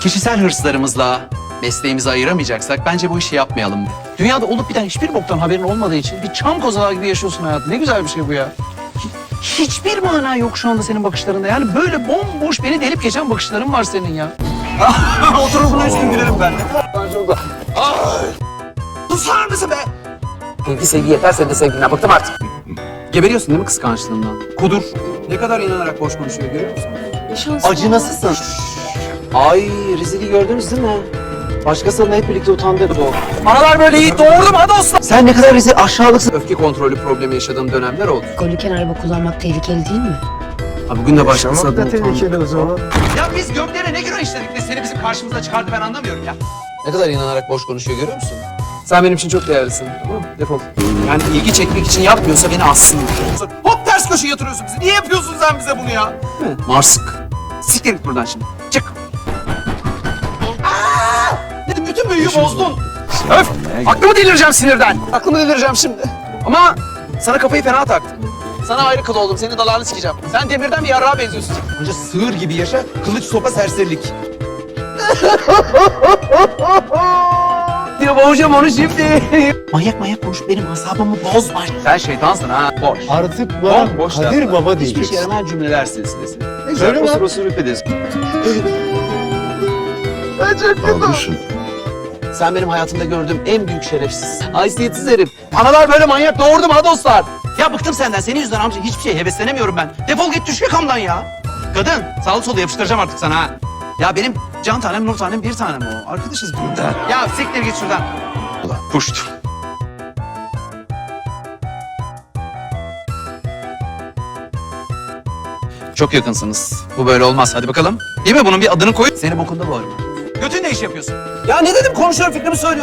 kişisel hırslarımızla mesleğimizi ayıramayacaksak bence bu işi yapmayalım. Dünyada olup biten hiçbir boktan haberin olmadığı için bir çam kozalağı gibi yaşıyorsun hayatı. Ne güzel bir şey bu ya. Hiçbir mana yok şu anda senin bakışlarında. Yani böyle bomboş beni delip geçen bakışların var senin ya. Oturur buna üstün gülerim ben. Susar mısın be? Sevgi sevgi yeter, sen de sevginden bıktım artık. Geberiyorsun değil mi kıskançlığından? Kudur. Ne kadar inanarak boş konuşuyor görüyor musun? Acınasısın. Ay rezili gördünüz değil mi? Başkasının hep birlikte utandırdı o. Analar böyle iyi doğurdum hadi olsun. Sen ne kadar rezil aşağılıksın. Öfke kontrolü problemi yaşadığım dönemler oldu. Alkolüken araba kullanmak tehlikeli değil mi? Ha, bugün de başkası adına utandım. tehlikeli o zaman. Ya biz göklere ne günah işledik de seni bizim karşımıza çıkardı ben anlamıyorum ya. Ne kadar inanarak boş konuşuyor görüyor musun? Sen benim için çok değerlisin. Tamam mı? Defol. Yani ilgi çekmek için yapmıyorsa beni assın. Hop ters köşeye yatırıyorsun bizi. Niye yapıyorsun sen bize bunu ya? Değil mi? Marsık. Siktir git buradan şimdi. Çık. Dedim bütün büyüyü bozdun. Öf! Aklımı delireceğim sinirden. Aklımı delireceğim şimdi. Ama sana kafayı fena taktım. Sana ayrı kıl oldum. Senin dalağını sikeceğim. Sen demirden bir yarrağa benziyorsun. Önce sığır gibi yaşa. Kılıç sopa serserilik. Diyor boğacağım onu şimdi. Manyak manyak konuş benim asabımı bozma. Sen şeytansın ha. Boş. Artık bana Boş Kadir laflar. Baba Hiçbir diyeceksin. şey yaramaz cümleler silsilesi. Ne güzel Söyle lan. osur osur üflediniz. Almışsın. Sen benim hayatımda gördüğüm en büyük şerefsiz, haysiyetsiz herif. Analar böyle manyak doğurdu mu ha dostlar? Ya bıktım senden. Senin yüzünden amca hiçbir şeye heveslenemiyorum ben. Defol git düş yakamdan ya. Kadın sağlı solu yapıştıracağım artık sana ha. Ya benim can tanem nur tanem bir tanem o. Arkadaşız burada. Ya siktir git şuradan. Ulan puşt. Çok yakınsınız. Bu böyle olmaz. Hadi bakalım. Değil mi? Bunun bir adını koy. Seni bokunda boğarım. Götün ne iş yapıyorsun? Ya ne dedim? Konuşuyorum fikrimi söylüyorum.